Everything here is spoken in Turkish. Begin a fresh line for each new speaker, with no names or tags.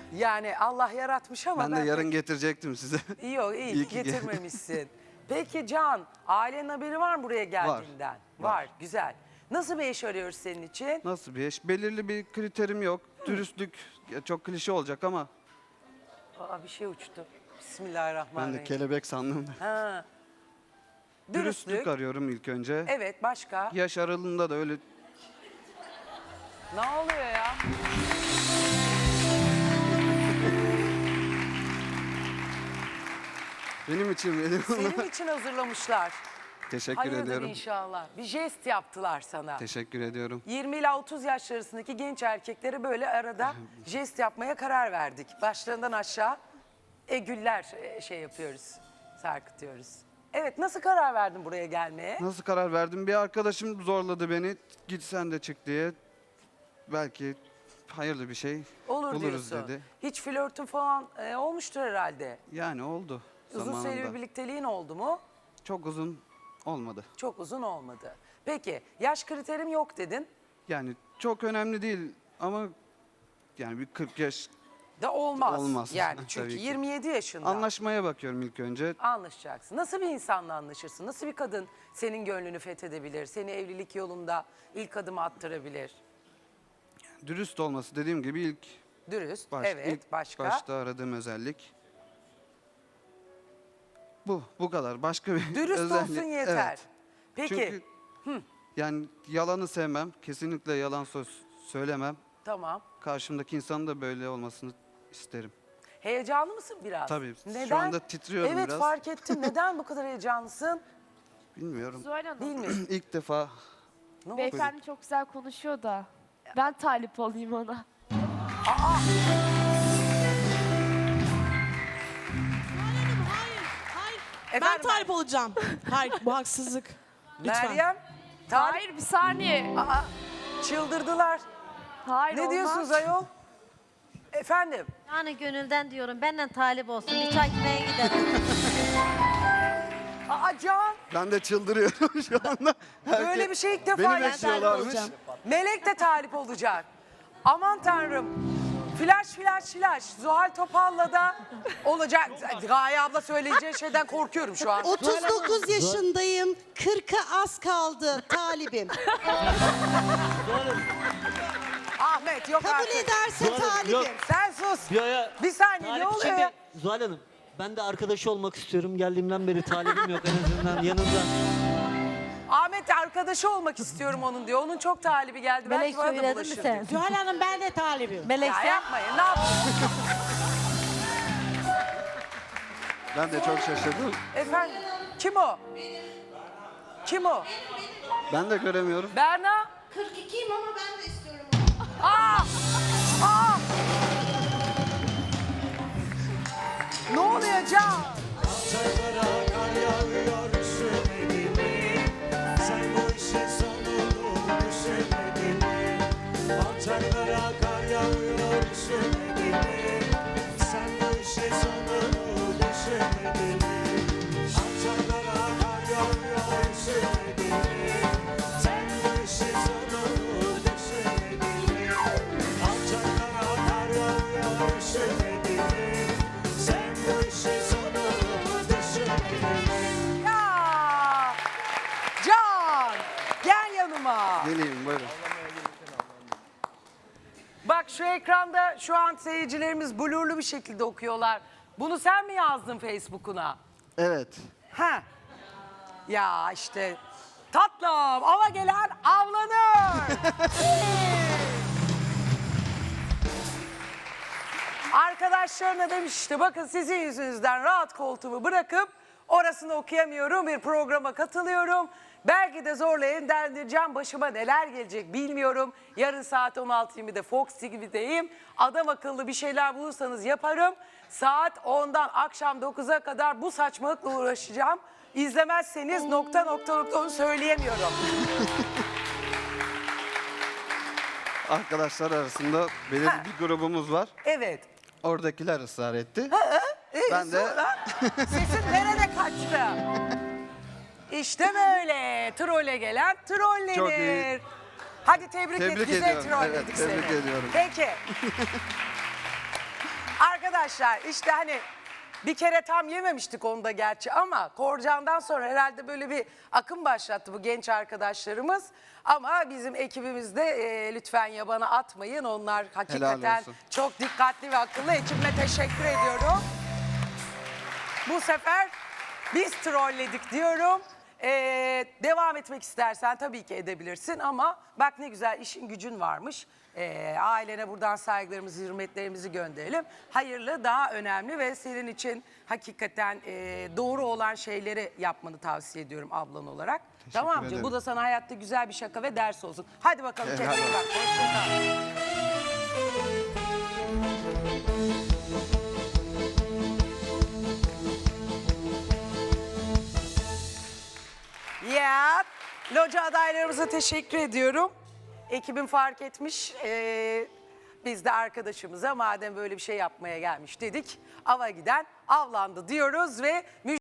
Yani Allah yaratmış ama
Ben de yarın getirecektim size.
Yok iyi
İyi ki
getirmemişsin. Peki Can, ailenin haberi var mı buraya geldiğinden? Var. Güzel. Nasıl bir eş arıyoruz senin için?
Nasıl bir eş? Belirli bir kriterim yok. Dürüstlük ya çok klişe olacak ama
Aa, bir şey uçtu.
ben
Bismillahirrahmanirrahim.
de kelebek sandım.
Ha.
Dürüstlük arıyorum ilk önce.
Evet, başka?
Yaş aralığında da öyle
Ne oluyor ya?
benim için
Senin için hazırlamışlar.
Teşekkür
Hayırdır
ediyorum.
inşallah. Bir jest yaptılar sana.
Teşekkür ediyorum.
20 ila 30 yaş arasındaki genç erkeklere böyle arada jest yapmaya karar verdik. Başlarından aşağı güller şey yapıyoruz, sarkıtıyoruz. Evet, nasıl karar verdin buraya gelmeye?
Nasıl karar verdim? Bir arkadaşım zorladı beni. Git sen de çık diye. Belki hayırlı bir şey
Olur
buluruz
diyorsun.
dedi.
Hiç flörtün falan olmuştur herhalde.
Yani oldu
Uzun
zamanında.
süreli bir birlikteliğin oldu mu?
Çok uzun olmadı.
Çok uzun olmadı. Peki, yaş kriterim yok dedin.
Yani çok önemli değil ama yani bir 40 yaş
Da olmaz.
Olmaz.
Yani çünkü
Tabii ki.
27 yaşında.
anlaşmaya bakıyorum ilk önce.
Anlaşacaksın. Nasıl bir insanla anlaşırsın? Nasıl bir kadın senin gönlünü fethedebilir? Seni evlilik yolunda ilk adımı attırabilir?
Dürüst olması dediğim gibi ilk
Dürüst.
ilk
Evet. Başka?
başta aradığım özellik. Bu kadar. Başka bir
Dürüst
özellik.
olsun yeter.
Evet.
Peki.
Çünkü yani yalanı sevmem. Kesinlikle yalan söz söylemem.
Tamam.
Karşımdaki insanın da böyle olmasını isterim.
Heyecanlı mısın biraz?
Tabii, şu
Neden?
anda titriyorum
evet,
biraz.
fark ettim. Neden bu kadar heyecanlısın?
Bilmiyorum.
Zuhal Hanım,
Bilmiyorum.
İlk defa
Ne oldu?
beyefendi çok güzel konuşuyor da ben talip olayım ona.
Ben
Efendim,
talip olacağım. Hayır, bu haksızlık. Lütfen.
Meryem. Tarih.
Hayır, bir saniye.
Aa, çıldırdılar.
Hayır,
Ne
olmaz.
diyorsunuz ayol? Efendim.
Yani gönülden diyorum benden talip olsun. Bir çay içmeye gidelim.
Aa Can.
ben de çıldırıyorum şu anda.
Böyle bir şey ilk defa
Beni
yaşadım.
bekliyorlarmış.
olacağım.
Melek de talip olacak. Aman tanrım. Flash flash flash. Zuhal Topal'la da olacak. Gaye abla söyleyeceği şeyden korkuyorum şu an.
39 yaşındayım. 40'a az kaldı talibim.
Ahmet yok
Kabul
artık.
ederse
Zuhal Hanım,
talibim.
yok.
Sen sus. Bir saniye ne oluyor ya?
Zuhal Hanım, ben de arkadaşı olmak istiyorum. Geldiğimden beri talibim yok en azından yanımda.
Ahmet arkadaşı olmak istiyorum onun diyor. Onun çok talibi geldi.
Melek
Belki bana da
söyledin mi
bulaşır
sen?
diyor.
Zuhal Hanım ben de talibim.
Melek
Ya
sen.
yapmayın ne yapıyorsun?
Ben de çok şaşırdım.
Efendim kim o? Kim o?
Ben de göremiyorum.
Berna?
42'yim ama ben de istiyorum.
Aa! Aa! Ne oluyor Can?
Alçaklara kar yağıyor üşümedin mi? Sen bu işin sonunu düşünmedin mi? Alçaklara kar yağıyor üşümedin mi? Sen bu işin sonunu düşünmedin mi? Alçaklara kar yağıyor üşümedin mi? Sen bu işin sonunu düşünmedin mi? Alçaklara kar yağıyor üşümedin mi? Sen bu işin sonunu düşünmedin mi?
Ya! Can! Gel yanıma.
Geleyim buyurun.
Bak şu ekranda şu an seyircilerimiz blurlu bir şekilde okuyorlar. Bunu sen mi yazdın Facebook'una?
Evet.
Ha. Ya işte tatlım ava gelen avlanır. Arkadaşlarına demiş işte bakın sizin yüzünüzden rahat koltuğumu bırakıp orasını okuyamıyorum bir programa katılıyorum. Belki de zorla evlendireceğim başıma neler gelecek bilmiyorum. Yarın saat 16.20'de Fox TV'deyim. Adam akıllı bir şeyler bulursanız yaparım. Saat 10'dan akşam 9'a kadar bu saçmalıkla uğraşacağım. İzlemezseniz nokta onu söyleyemiyorum.
Arkadaşlar arasında belirli bir grubumuz var.
Evet.
Oradakiler ısrar etti. Ben de
Sonra sesin nerede kaçtı? İşte böyle. Trole gelen trollenir.
Çok iyi.
Hadi tebrik et.
Tebrik
Güzel
ediyorum.
trolledik
Evet,
seni.
tebrik ediyorum.
Peki. Arkadaşlar işte hani bir kere tam yememiştik onu da gerçi ama Korcan'dan sonra herhalde böyle bir akım başlattı bu genç arkadaşlarımız. Ama bizim ekibimizde lütfen yabana atmayın. Onlar hakikaten
olsun.
çok dikkatli ve akıllı. Ekibime teşekkür ediyorum. Bu sefer biz trolledik diyorum. Devam etmek istersen tabii ki edebilirsin ama bak ne güzel işin gücün varmış. Ailene buradan saygılarımızı, hürmetlerimizi gönderelim. Hayırlı, daha önemli ve senin için hakikaten doğru olan şeyleri yapmanı tavsiye ediyorum ablan olarak. Tamam mı?
ederim.
Bu da sana hayatta güzel bir şaka ve ders olsun. Hadi bakalım
Helal
kendine bak. Hoşça kal. Ya, loca adaylarımıza teşekkür ediyorum. Ekibim fark etmiş. Biz de arkadaşımıza madem böyle bir şey yapmaya gelmiş dedik. Ava giden avlandı diyoruz ve